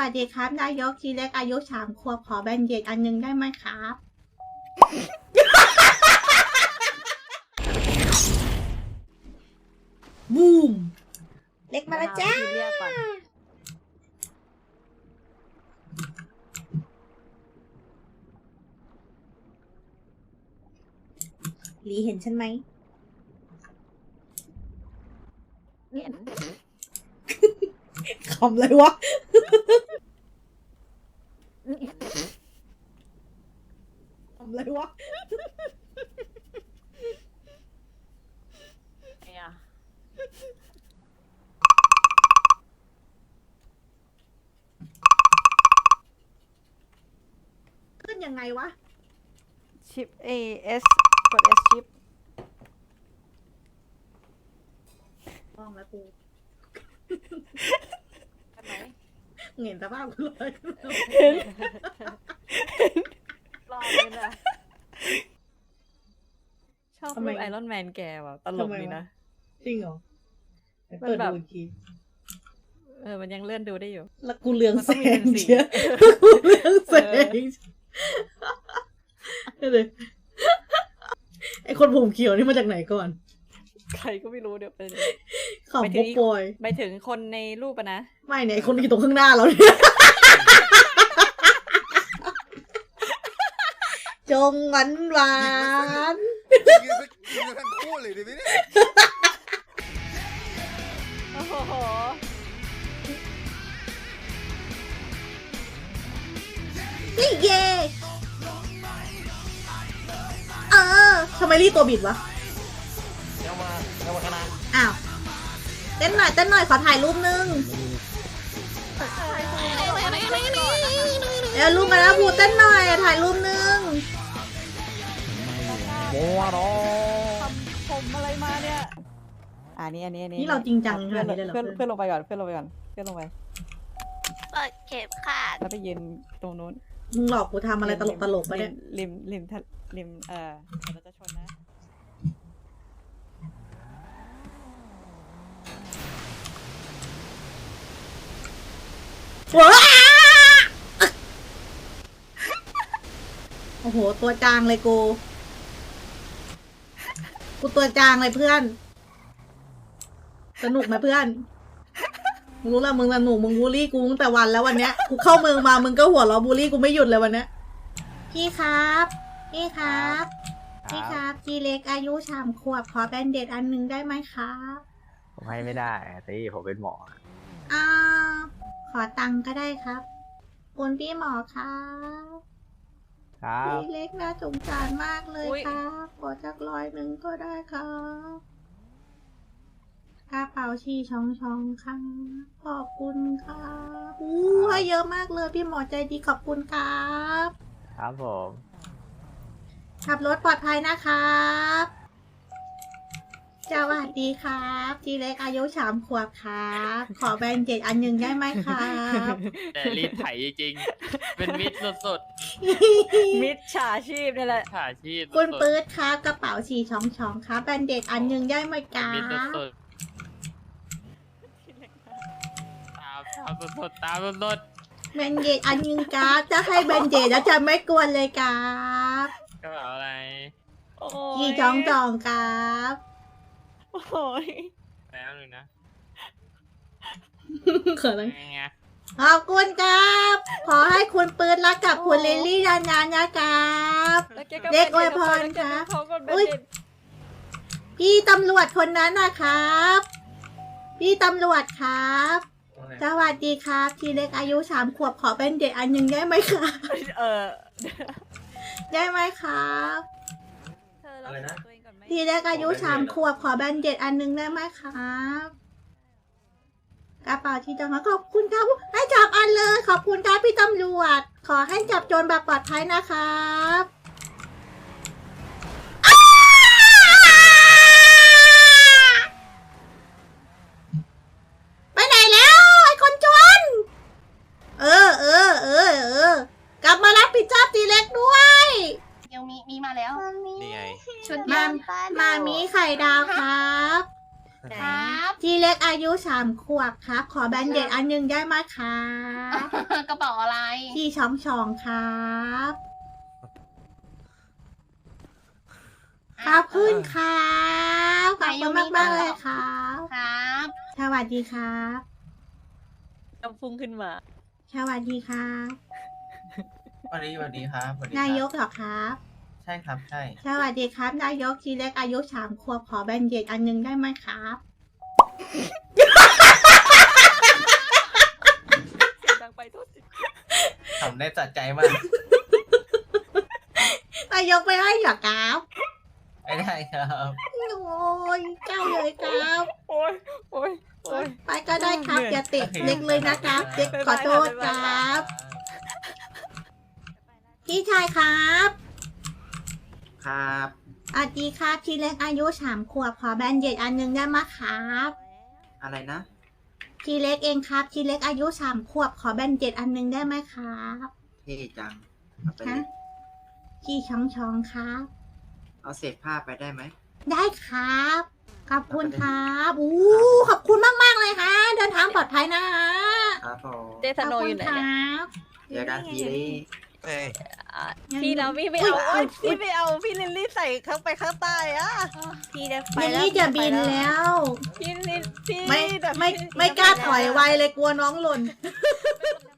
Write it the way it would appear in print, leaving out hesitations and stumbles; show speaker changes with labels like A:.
A: สดีครับนายกทีเล็กอายุ3 ขวบขอแบนเด็ดอันนึงได้ไหมครับบูมเล็กมาแล้วจ้าลีเห็นฉันไหม
B: เห็น
A: คำอะไรวะคำอะไรวะ
B: เนี่ย
A: ขึ้นยังไงวะ
C: ชิป S กด S ชิป
A: มองแล้วกู
B: ใช่ไหม
A: เห็นสภาพกูเลย
B: รอเลยนะ
C: ชอบรูปไอรอนแมนแกว่ะตลกดีนะ
A: จริงเหรอ
C: มัน
A: เปิด
C: แบบ
A: ดูอีกที
C: มันยังเลื่อนดูได้อยู่
A: แล้วกูเลือง
C: มัน
A: แส
C: ต้องมี
A: ง
C: เป็นสี
A: เชียกูเลืองแสงเลยไอคนผมเขียวนี่มาจากไหนก่อน
C: ใครก็ไม่รู้เดี๋ยวเป็น
A: ขำปุ๊บปอย
C: ไปถึงคนในรูปอะนะ
A: ไม่เนี่ยไอคนที่อยู่ตรงข้างหน้าเราเนี่ยจงหวานหวาน
D: ยิงกันทั้งคู่เลยดิพี่เนี่ย
C: โอ้โห
A: นี่เย่ทำไมรีบตัวบิดวะ
D: เอามาคณะ
A: อ้าวเต้นหน่อยขอถ่ายรูปนึงรูปมาแล้วพูดเต้นหน่อยถ่ายรูปนึง
D: มัวเนาะ
C: ทำผมอะไรมาเนี่ยอันนี้
A: นี่เราจริงจังข
C: เพื่
A: นา
C: อ
A: ด
C: น
A: นี้เลยเหรอ
C: เพื่อนลงไปก่อนเพื่อนลงไป
B: เปิดเข็มขาด
C: แล้วไปยืนตรงนู้น
A: มึงหลอกกูทำอะไรตลกไปเนี่ย
C: ริมเดี๋ยวเราจะชนนะ
A: ว้าโอ้โหตัวจางเลยกูตัวจางเลยเพื่อนสนุกไหมเพื่อนมึงรู้ละมึงสนุกมึงบูลลี่กูตั้งแต่วันแล้ววันเนี้ยกูเข้าเมืองมามึงก็หัวเราะบูลลี่กูไม่หยุดเลยวันเนี้ยพี่ครับพี่ครับจีเล็กอายุ3 ขวบขอแบนเด็ดอันนึงได้ไหมครับ
E: ผมให้ไม่ได้แต่ผมเป็นหมอ
A: อ่าขอตังค์ก็ได้ครับคุณพี่หมอครับ
E: ครับ
A: พี่เล็กน่าสงสารมากเลยครับขอจัก100ก็ได้ครับกระเป๋าชีช่องครับขอบคุณครับให้เยอะมากเลยพี่หมอใจดีขอบคุณครับ
E: ครับผม
A: ขับรถปลอดภัยนะครับสวัสดีครับจีเล็กอายุ3 ขวบครับขอแบนเจ็ดอันหนึ่งได้ไหมครับ
F: แต่รีดไถจริงๆ เป็นมิดสุด
C: มิดฉาชีพนี่แหละ
F: ๆถ่าชีพ
A: คุณปื๊ดครับกระเป๋าชีช่องครับแบนเด็ดอันหนึ่งได้ไหมครั
F: มิด
A: บ
F: สุดๆตามสุดๆตามสุด
A: แบนเด็ดอันหนึ่งครับจะให้แบนเด็ดแล้วจะไม่กวนเลยครับ
F: ๆกระเป๋าอะไร
C: โอ้
A: ชี
C: ย
A: ช่องครับ
C: โอ้ย
F: แล้วหนึ่งนะ
A: เขินเลย
F: ไง
A: ขอบคุณครับ ขอให้คุณปื๊ดรักกับคุณลิลลี่นานๆนะครับ
C: แล้วแกก็
A: เด็กอวยพร
C: แล้วแก
A: ครั
C: ก็
A: บ
C: เขาก็เป็น
A: อุ๊ย
C: เด็ก
A: พี่ตำรวจคนนั้นนะครับ พี่ตำรวจครับ สวัสดีครับทีเล็กอายุ3 ขวบขอเป็นเด็กอันหนึ่งได้ไหมครับ ได้ไหมครับ
C: เธอรักษาตัวเองก่อนไหม
A: ทีเล็กอายุ3 ขวบขอแบนเด็ดอันหนึ่งได้ไหมครับกระเป๋าที่จังหวะขอบคุณครับให้จับอันเลยขอบคุณครับพี่ตำรวจขอให้จับโจรแบบปลอดภัยนะครับไปไหนแล้วไอ้คนจนกลับมารับผิดชอบทีเล็กด้วย
B: ยังมีมาแล้ว
D: นี่ไง
B: ชุด
A: มามีไข่ดาวครับ
B: ครับ
A: ทีเล็กอายุ3 ขวบครับ ขอแบนเด็ดอันหนึงได้ไหมครับ
B: กระเป๋าอะไร
A: ที่ช่องครับขอบคุณครับขอบคุณมากๆเลยครับ
B: ครับ
A: สวัสดีครับ
C: น้ำพุ่งขึ้นมา
A: สวัสดีครับ
G: สวัสดีครับสวัสดีครับ
A: นายกเหรอครับ
G: ใช่ครับใช่
A: สวัสดีครับนายกทีเล็กอายุ3 ขวบขอแบนเด็ดอันหนึงได้ไหมครับ
C: เสียงดังไปโทษที
G: ทำได้จัดใจมาก
A: นายกไปให้เหรอครับ
G: ไม่ได้ครับ
A: โอ้ยเจ้าเลยครับ
C: โอ้ยโอ้ยโอ้ย
A: ไปก็ได้ครับอย่าติดเล็กเลยนะครับเล็กขอโทษครับ พี่ชายครับ
G: ครับ
A: สวัสดีครับทีเล็กอายุ3 ขวบขอแบนเด็ดอันหนึงได้ไหมครับ
G: อะไรนะ
A: ทีเล็กเองครับทีเล็กอายุ3 ขวบขอแบนเด็ดอันหนึงได้ไหมครับ
G: เท่จังเอาไป
A: ฮะ
G: เลย
A: พี่ช่องครับ
G: เอาเศษผ้าไปได้ไหม
A: ได้ครับขอบคุณครับอู้ขอบคุณมากๆเลยค่ะเดินทางปลอดภัยนะฮะ
G: ครับผม
C: เจสโนอยู่ไหนเนี่ย
G: เดี๋ยวกันทีนี้
C: อ่ะพี่แล้วพี่ไม่เอาโอ้ยพี่ไม่เอาพี่ลิลลี่ใส่ข้างไปข้างใต้อะ
B: พี่ได้ไป
A: เยล
B: แล้ว
A: ลี่จะบินแล้ว
C: พี่ลิลพี่
A: ไม่
C: แบบ
A: ไม่กล้าถอยไวเลยกลัวน้องหล่น
C: ไม่